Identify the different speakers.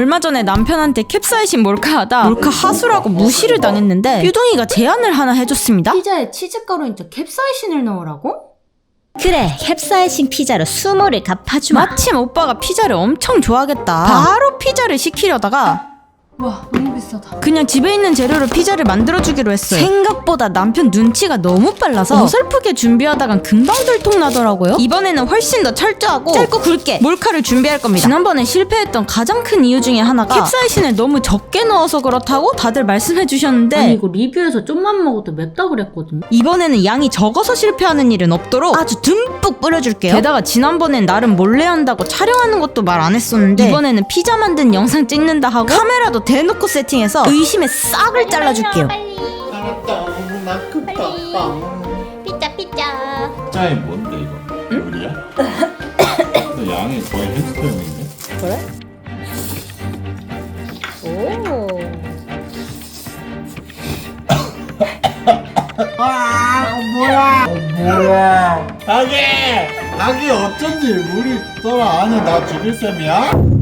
Speaker 1: 얼마 전에 남편한테 캡사이신 몰카하다 몰카 하수라고 무시를 당했는데 뾰둥이가 제안을 하나 해줬습니다.
Speaker 2: 피자에 치즈가루인데 캡사이신을 넣으라고?
Speaker 3: 그래, 캡사이신 피자로 수모를 갚아주마.
Speaker 1: 마침 오빠가 피자를 엄청 좋아하겠다. 바로 피자를 시키려다가
Speaker 2: 와, 너무 비싸다.
Speaker 1: 그냥 집에 있는 재료로 피자를 만들어주기로 했어요. 생각보다 남편 눈치가 너무 빨라서 어설프게 준비하다간 금방 들통나더라고요. 이번에는 훨씬 더 철저하고 짧고 굵게 몰카를 준비할 겁니다. 지난번에 실패했던 가장 큰 이유 중에 하나가 캡사이신을 너무 적게 넣어서 그렇다고 다들 말씀해 주셨는데
Speaker 2: 아니 이거 리뷰에서 좀만 먹어도 맵다 그랬거든요.
Speaker 1: 이번에는 양이 적어서 실패하는 일은 없도록 아주 듬뿍 뿌려줄게요. 게다가 지난번엔 나름 몰래 한다고 촬영하는 것도 말 안 했었는데 이번에는 피자 만든 영상 찍는다 하고 카메라도 대놓고 세팅해서 의심의 싹을 잘라줄게요.
Speaker 4: 알았다. 나 급다.
Speaker 3: 피자.
Speaker 4: 피자에 뭔데 이거? 요리야? 근데 양이 거의 햄스터용인데?
Speaker 3: 그래? 오.
Speaker 4: 뭐야? 닭이 어쩐지 물이 떠라. 아니 나 죽일 셈이야?